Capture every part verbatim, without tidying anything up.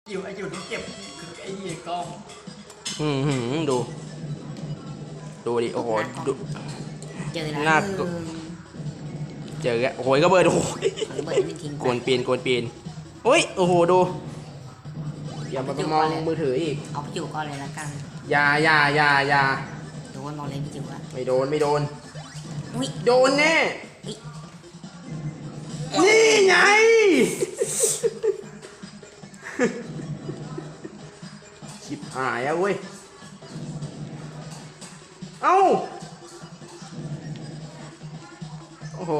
อยู่ไอ้อยู่ต้องเก็บคือไอ้ยี่กล้องอืมหืมดูดูดิโอ้โหดูเจอแล้วน่าเจอแล้วโอ้โหก็เบิดโอ้โหระเบิดไม่ทิ้งโกนปีนโกนปีนโอ้ยโอ้โหดูอย่ามาไปมองมือถืออีกเอาพี่จิ๋วก่อนเลยละกันอย่าอย่าอย่าอย่าโดนมองเลยพี่จิ๋วอะไม่โดนไม่โดนอุ้ยโดนแน่อุ๊ยนี่ไงชิบหายอะเว้ยเอ้าโอ้โห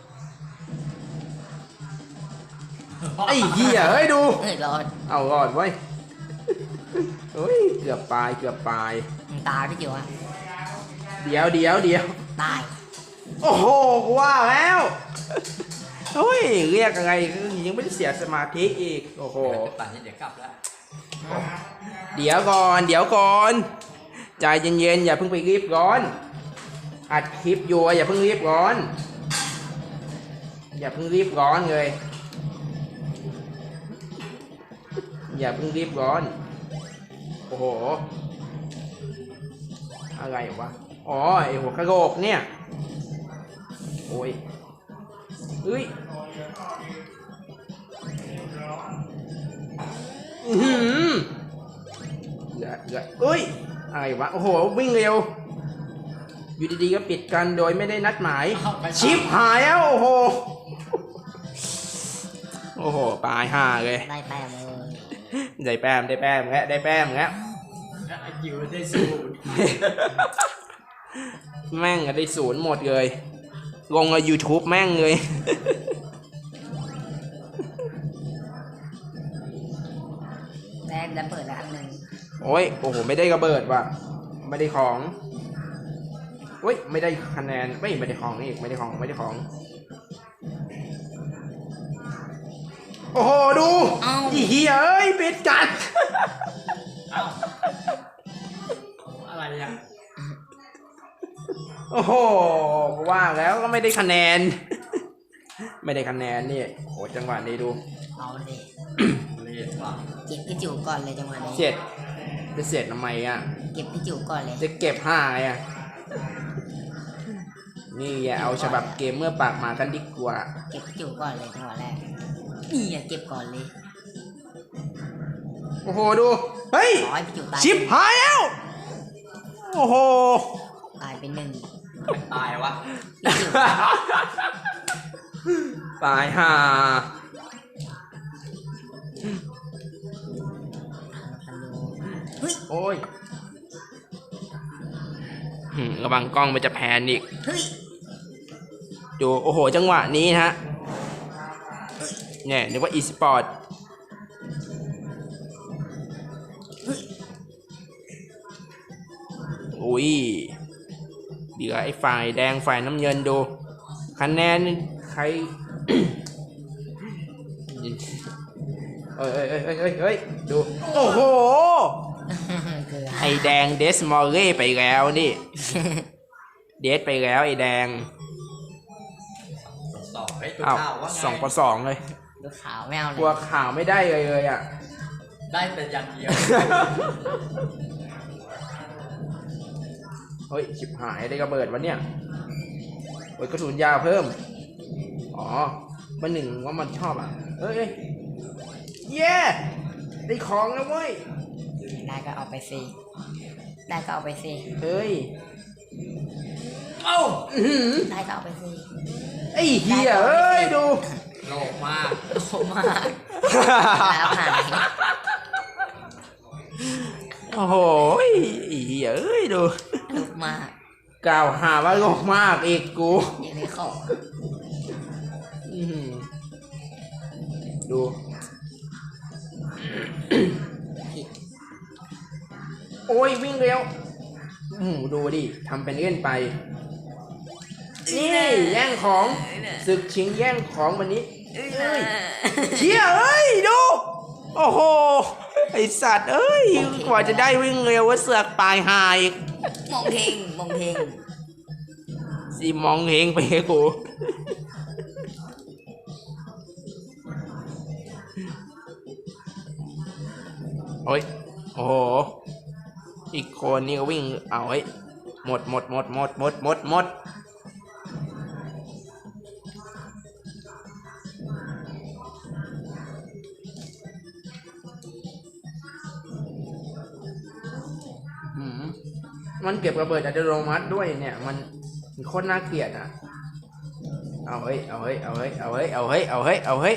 ไอ้เหี้ยเฮ้ยดูเอ้ยรอดเอาก่อนเว้ยเฮ้ยเกือบปลายเกือบปลายตายพี่จิ๋วอะเดี๋ยวเดี๋ยวเดี๋ยวตายโอ้โหกูว่าแล้วเฮ้ยเรียกอะไรยังไม่ได้เสียสมาธิอีกโอ้โหป่านนี้เดี๋ยวกลับแล้วเดี๋ยวก่อนเดี๋ยวก่อนใจเย็นๆอย่าเพิ่งไปรีบร้อนอัดคลิปอยู่อย่าเพิ่งรีบร้อนอย่าเพิ่งรีบร้อนเลยอย่าเพิ่งรีบร้อนโอ้โหอะไรวะอ๋อไอหัวกระโหลกเนี่ยโอ้ยเฮ้ยอือหือเหลือเหลือเอ้ยอะไรวะโอ้โหวิ่งเร็วอยู่ดีๆก็ปิดกันโดยไม่ได้นัดหมายชิปหายแล้วโอ้โหโอ้โหปลายห่าเลยได้แต้มเลยได้แป้มได้แป้มแล้วได้แป้มแล้วไอ้จิ๋วได้สูตรแม่งอะได้ศูนย์หมดเลยลงใน YouTube แม่งเลยแต้มแล้วเปิดแล้วอันหนึ่งโอ้ยโอ้โหไม่ได้ระเบิดว่ะไม่ได้ของโอ้ยไม่ได้คะแนนไม่ไม่ได้ของอีกไม่ได้ของไม่ได้ของโอ้โหดูอีเหี้ยเอ้ยปิดกันเอ้าอะไรอ่ะโอ้โหว่าแล้วก็ไม่ได้คะแนน ไม่ได้คะแนนนี่โอ้จังหวะนี้ดูเอาเลยเรียกว่าเก็บพี่จิ๋วก่อนเลยจังหวะนี้เสร็จจะเสร็จทำไมอ่ะเก็บพี่จิ๋วก่อนเลยจะเก็บห้าไงอ่ะนี่อย่าเอาฉบับเกมเมื่อปากหมากันดีกว่าเก็บพี่จิ๋วก่อนเลยจังหวะแรกนี่อย่าเก็บก่อนเลยโอ้โหดูเฮ้ยร้อยพี่จิ๋วตายชิปหายแล้วโอ้โหตายเป็นหนึ่งไม่ตายวะพี่จิ๋วตายห่าคันดูเฮ้ยโอ้ยหืมระวังกล้องมันจะแพนอีกเฮ้ยดูโอ้โหจังหวะนี้นะฮะเนี่ยนึกว่าอีสปอร์ตอุ้ยเดี๋ยวไอ้ฝ่ายแดงฝ่ายน้ำเงินดูคะแนนใคร เอ้ยเอ้ยเอ้ยเอ้ยเอ้ยเอ้ยดูโอ้โหเกลือไอแดงเดสมอลเล่ไปแล้วนี่ เดสไปแล้วไอแดงสองไอ้ตัวอ้าวข้าวว่าไงสองต่อสองเลยดูขาวไม่เอาเลกลัวย ข่าวไม่ได้เลยเลยอ่ะได้แต่อย่างเดียวเฮ้ยชิบหายได้ระเบิดวะเนี่ยโอ้ยกระสุนยาวเพิ่มอ๋อมันหนึ่งว่ามันชอบอ่ะเอ้ยเอ้ยเย้ได้ของแล้วเว้ยได้ก็เอาไปสิได้ก็เอาไปสิเฮ้ยเอ้าอื้อหือได้ก็เอาไปสิไอ้เหี้ยเอ้ยดูโลกมากโอ้มากแล้วหายโอ้โหไอ้เหี้ยเอ้ยดูลุกมากกล่าวหาว่าโลกมากอีกกูยังได้ของอื้อหือดู โอ้ยวิ่งเร็วอืมดูดิทำเป็นเล่นไป นี่แย่งของศึกชิงแย่งของวันนี้เอ้ยเชี่ยเอ้ยดู โอ้โหไอสัตว์เอ้ยกว่าจะได้วิ่งเร็วว่าเสือกปลายหายอีกมองเพลงมองเพลงสิมองเฮงไปให้กูโอ้ยโอ้โหอีกคนนี่ก็วิ่งเอาเฮ้ยหมดหมดหมดหมดหมดหมดหมดอืมมันเก็บระเบิดอัตโนมัติด้วยเนี่ยมันมันโคตรน่าเกลียดอ่ะเอาเฮ้ยเอาเฮ้ยเอาเฮ้ยเอาเฮ้ยเอาเฮ้ยเอาเฮ้ยเอาเฮ้ย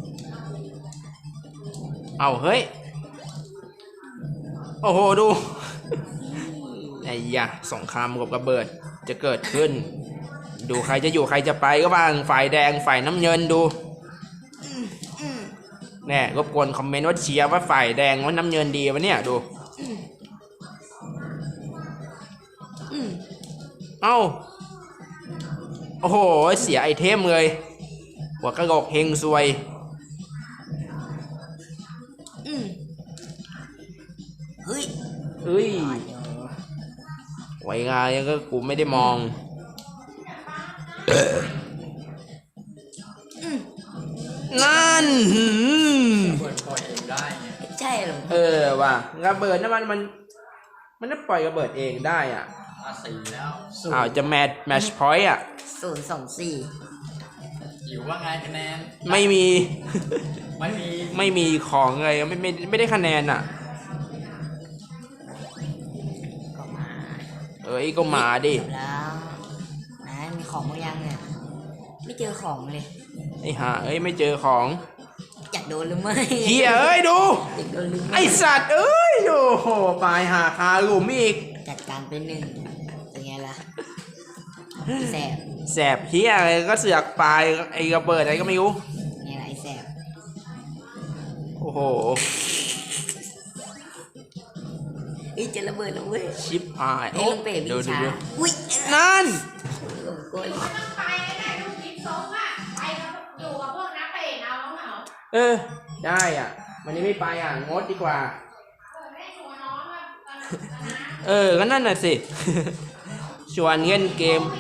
เอาเฮ้ยโอ้โหดูไอ้ยะสงครามกับระเบิดจะเกิดขึ้นดูใครจะอยู่ใครจะไปก็บ้างฝ่ายแดงฝ่ายน้ำเงินดูแน่รบกวนคอมเมนต์ว่าเชียร์ว่าฝ่ายแดงว่าน้ำเงินดีวะเนี่ยดูเอ้าโอ้โหเสียไอเทมเลยหัวกระโหลกเฮงซวยเฮ้ยเอ้ยไว้งานยังก็กูไม่ได้มองนั่นเปิดปล่อยเองได้เนี่ยใช่หรอเออว่ะระเบิดน้ำมันมันมันจะปล่อยระเบิดเองได้อ่ะมาสี่แล้วอ้าวจะแมทแมชพอยต์อ่ะศูนย์สองสี่หิวว่าไงคะแนนไม่มีไม่มีไม่มีของอะไรไม่ไม่ไม่ได้คะแนนอ่ะก็มาเอ้ยก็มาดิแล้วนะมีของบางอย่างเนี่ยไม่เจอของเลยไอ้ห่าเอ้ยไม่เจอของอยากโดนหรือไม่เฮียเอ้ยดูอยากโดนหรือไม่ไอสัตว์เอ้ยโอ้โหปลายหาคาหลุมอีกจัดการเป็นหนึ่งเป็นไงล่ะแสบแสบเฮียอะไรก็เสือกปลายไอ้ระเบิดอะไรก็ไม่รู้ไงล่ะไอแสบโอ้โหอีจะระเบิดแล้วเว้ยชิปหายโอ้ดูดูดูอุ้ยนั่นเออได้อ่ะวันนี้ไม่ไปอ่ะงดดีกว่าเออก็นั่นน่ะสิชวนเล่นเกม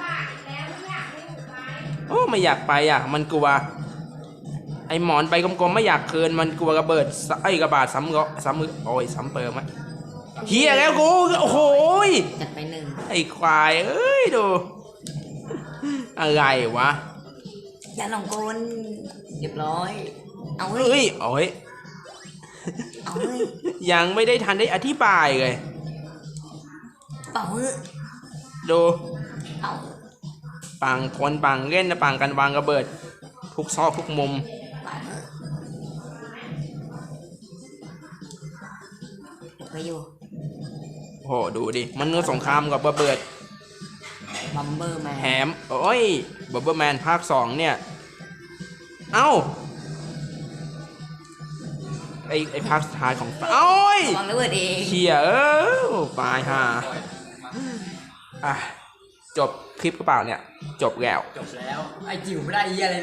โอ้ไม่อยากไปอ่ะมันกลัวไอหมอนไปกลมๆไม่อยากเคินมันกลัวระเบิดไอกระบาดซ้ำก็ซ้ำมือโอ้ยซ้ำเปิมไหมเฮียแล้วกูโอ้โหจัดไปหนึ่งไอควายเอ้ยดูอะไรวะอย่าหลงกลเรียบร้อยเอาเฮ้ยโอ้ยเอาเฮ้ยยังไม่ได้ทันได้อธิบายเลยเป่าเฮ้ยดูเอาปังคนปังเล่นนะปังกันวางระเบิดทุกซอกทุกมุมไปอยู่โอ้โหดูดิมันเนื้อสงครามกับระเบิดบัมเบอร์แมนแถมโอ้ยบัมเบอร์แมนภาคสองเนี่ยเอ้าไอไอภาคสุดท้ายของโอ้ยวางระเบิดเองเชี่ยเออปลายห่าอ่ะจบคลิปกระเป๋าเนี่ยจบแล้วจบแล้วไอจิ๋วไม่ได้เยี่ยอะไร